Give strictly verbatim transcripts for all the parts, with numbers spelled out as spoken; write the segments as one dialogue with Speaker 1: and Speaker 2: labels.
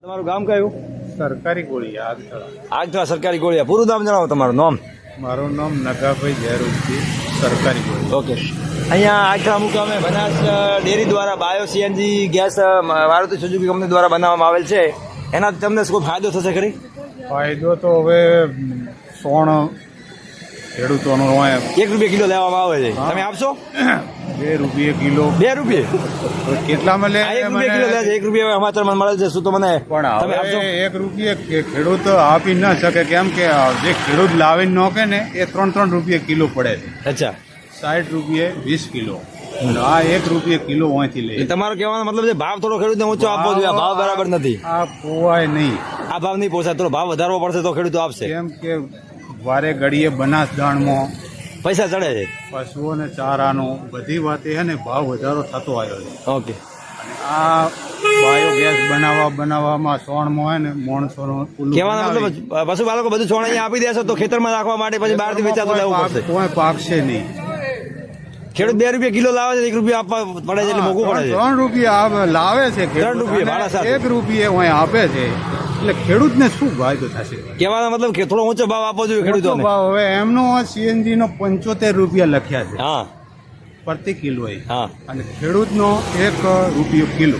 Speaker 1: તમારું ગામ કયું?
Speaker 2: સરકારી ગોળીયા આગથળા.
Speaker 1: આગથળા સરકારી ગોળિયા. પૂરું નામ જણાવો તમારું નામ.
Speaker 2: મારું નામ નગાભાઈ જયરૂપજી, સરકારી ગોળીયા.
Speaker 1: ઓકે. અહીંયા આગથળા મુકામે બનાસ ડેરી દ્વારા bio CNG gas Maruti Suzuki company દ્વારા બનાવવામાં આવેલ છે. એનાથી તમને શું ફાયદો થશે ખરી?
Speaker 2: ફાયદો તો હવે સોણ ખેડૂતોનો હોય
Speaker 1: એક રૂપિયા કિલો લેવામાં આવે છે, તમે આપશો?
Speaker 2: બે રૂપિયા કિલો.
Speaker 1: બે રૂપિયે
Speaker 2: કેટલામાં લે?
Speaker 1: એક રૂપિયા કિલો લે છે. એક રૂપિયા સમાચાર મને મળે છે. શું તો મને
Speaker 2: પણ
Speaker 1: તમે આપશો?
Speaker 2: હવે એક રૂપિયા ખેડૂત આપી ન શકે, કેમ કે જે ખેડૂત લાવીને નોખે ને એ ત્રણ ત્રણ રૂપિયા કિલો પડે છે.
Speaker 1: અચ્છા.
Speaker 2: સાઠ રૂપિયે વીસ કિલો. આ એક રૂપિયા કિલો અહીંથી લે.
Speaker 1: તમારો કહેવાનો મતલબ છે ભાવ થોડો ખેડૂતને ઊંચો આપવો જોઈએ. ભાવ બરાબર નથી.
Speaker 2: આ પોવાય નહીં.
Speaker 1: આ ભાવ નહીં પોસાય. થોડો ભાવ વધારવો પડશે તો ખેડૂતો આપશે.
Speaker 2: કેમ કે વારે ઘડીએ બનાસ દાણમાં
Speaker 1: પૈસા ચડે છે.
Speaker 2: પશુઓને ચારાનો બધી વાતે છે ને ભાવ વધારો થતો આવ્યો છે.
Speaker 1: ઓકે.
Speaker 2: આ બાયોગેસ બનાવવા બનાવવામાં સોણમાં હોય ને માણસોનો
Speaker 1: કહેવાનો મતલબ પશુપાલકો બધું છોડ અહીંયા આપી દેશે તો ખેતરમાં રાખવા માટે પછી બહારથી વેચાતું લેવું પડશે.
Speaker 2: કોઈ પાકશે નહીં.
Speaker 1: ખેડૂત બે રૂપિયા કિલો લાવે છે, એક રૂપિયા આપવા પડે છે એટલે મોંઘું પડે છે.
Speaker 2: ત્રણ રૂપિયા લાવે છે,
Speaker 1: ત્રણ રૂપિયા ભાડા સાથે
Speaker 2: એક રૂપિયા અહીં આપે છે, એટલે ખેડૂતને શું ફાયદો થશે?
Speaker 1: કહેવાનો મતલબ કે થોડો ઊંચો ભાવ આપવો જોઈએ ખેડૂતોને.
Speaker 2: ભાવ હવે એમનો સીએનજી નો પંચોતેર રૂપિયા લખ્યા છે
Speaker 1: હા
Speaker 2: પ્રતિ કિલો,
Speaker 1: હા,
Speaker 2: અને ખેડૂતનો એક રૂપિયો કિલો.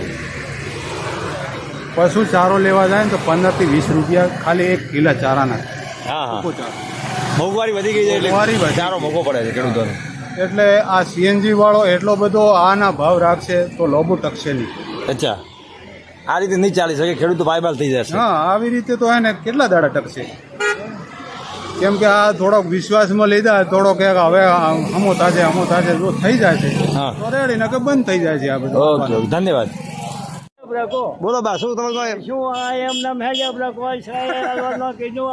Speaker 2: પશુ ચારો લેવા જાય ને તો પંદર થી વીસ રૂપિયા ખાલી એક કિલો ચારાના.
Speaker 1: હા હા મોંઘવારી વધી ગઈ છે એટલે ચારો મોંઘો પડે છે ખેડૂતોને.
Speaker 2: એટલે આ સીએનજી વાળો એટલો બધો આના ભાવ રાખશે તો લોબો ટકશે નહીં.
Speaker 1: અચ્છા, આ રીતે નહીં ચાલી શકે. ખેડૂતો પાયબાલ થઈ જશે.
Speaker 2: હા, આવી રીતે તો હે ને કેટલા દાડા ટકશે? કેમ કે આ થોડોક વિશ્વાસમાં લીધા, થોડોક હવે હમો તાજે હમો તાજે જો થઈ જાય છે તો રેડી, નકે બંધ થઈ જાય છે આ બધું.
Speaker 1: ઓકે, ધન્યવાદ. બોલો બા, શું તમે
Speaker 3: શું આ એમ નામ હે કે આપણે કોઈ છે નો કીધું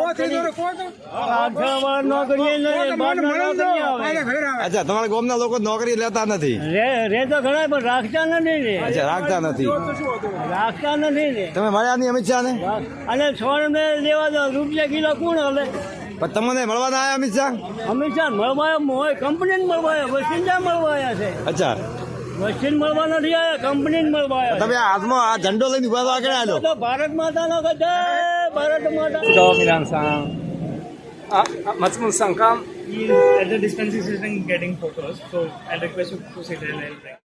Speaker 3: આગળ નો કરીએ ને બાર નો કરી આવે.
Speaker 1: અચ્છા, તમારા ગામના લોકો નોકરી લેતા નથી?
Speaker 3: રે રે તો ઘણા પણ રાખતા નથી ને.
Speaker 1: અચ્છા, રાખતા નથી.
Speaker 3: રાખતા નથી ને.
Speaker 1: તમે મળ્યા નહીં અમિત શાહ ને?
Speaker 3: અને છોડ ને લેવા દો રૂપિયા કિલો કોણ હવે?
Speaker 1: પણ તમને મળવા ના આવ્યા અમિત શાહ?
Speaker 3: અમિત શાહ મળવા કંપની મળવા વસ્તી મળવા આવ્યા છે.
Speaker 1: અચ્છા,
Speaker 3: વસ્તી મળવા નથી આવ્યા, કંપની મળવા આવ્યા.
Speaker 1: તમે હાથમાં આ ઝંડો લઈને ઉભા તો આગળ આવ્યો.
Speaker 3: તો ભારત માતા નો જય ભારત માતા.
Speaker 4: Milan Sang. Uh, uh, Matsumul Sankam.
Speaker 5: He is at the dispensary sitting getting photos, so I'll request you to sit there.